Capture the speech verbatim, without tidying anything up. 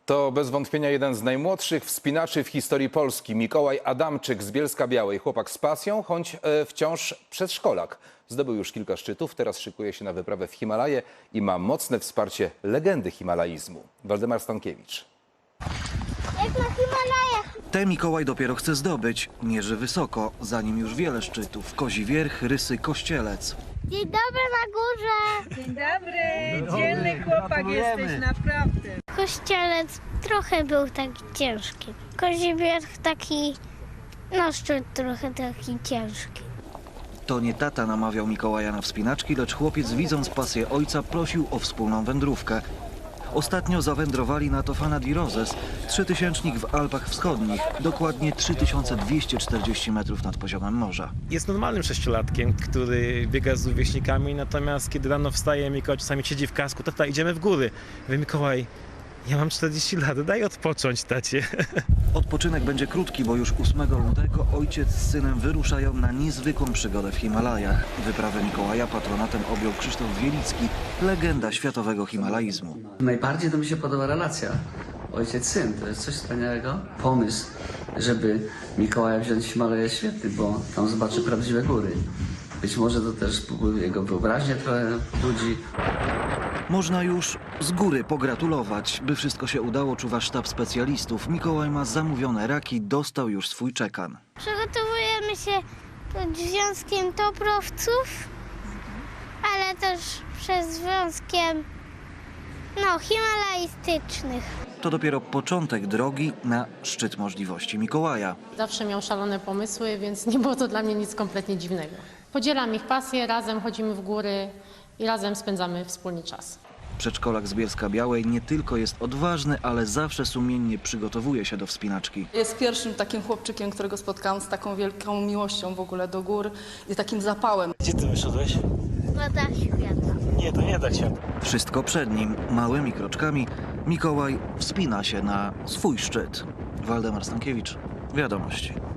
To bez wątpienia jeden z najmłodszych wspinaczy w historii Polski. Mikołaj Adamczyk z Bielska-Białej. Chłopak z pasją, choć e, wciąż przedszkolak. Zdobył już kilka szczytów, teraz szykuje się na wyprawę w Himalaje i ma mocne wsparcie legendy himalaizmu. Waldemar Stankiewicz. Jak na Himalajach. Te Mikołaj dopiero chce zdobyć. Mierzy wysoko, za nim już wiele szczytów. Kozi Wierch, Rysy, Kościelec. Dzień dobry na górze. Dzień dobry, dzielny chłopak jesteś, naprawdę. Kościelec trochę był taki ciężki. Kozi Wierch taki, no szczyt trochę taki ciężki. To nie tata namawiał Mikołaja na wspinaczki, lecz chłopiec, widząc pasję ojca, prosił o wspólną wędrówkę. Ostatnio zawędrowali na Tofana di Roses, trzytysięcznik w Alpach Wschodnich, dokładnie trzy tysiące dwieście czterdzieści metrów nad poziomem morza. Jest normalnym sześciolatkiem, który biega z rówieśnikami, natomiast kiedy rano wstaje, Mikołaj czasami siedzi w kasku, tata, idziemy w góry. Mówię, Mikołaj, ja mam czterdzieści lat, daj odpocząć, tacie. Odpoczynek będzie krótki, bo już ósmego lutego ojciec z synem wyruszają na niezwykłą przygodę w Himalajach. Wyprawę Mikołaja patronatem objął Krzysztof Wielicki, legenda światowego himalaizmu. Najbardziej to mi się podoba relacja ojciec-syn. To jest coś wspaniałego. Pomysł, żeby Mikołaja wziąć w Himalaje jest świetny, bo tam zobaczy prawdziwe góry. Być może to też jego wyobraźnię trochę budzi. Można już z góry pogratulować. By wszystko się udało, czuwa sztab specjalistów. Mikołaj ma zamówione raki, dostał już swój czekan. Przygotowujemy się pod związkiem toprowców, ale też przez związkiem, no, himalaistycznych. To dopiero początek drogi na szczyt możliwości Mikołaja. Zawsze miał szalone pomysły, więc nie było to dla mnie nic kompletnie dziwnego. Podzielam ich pasję, razem chodzimy w góry i razem spędzamy wspólny czas. Przedszkolak z Bielska-Białej nie tylko jest odważny, ale zawsze sumiennie przygotowuje się do wspinaczki. Jest pierwszym takim chłopczykiem, którego spotkałam z taką wielką miłością w ogóle do gór i takim zapałem. Gdzie ty wyszedłeś? Woda świata. Nie, to nie da się. Wszystko przed nim. Małymi kroczkami Mikołaj wspina się na swój szczyt. Waldemar Stankiewicz, Wiadomości.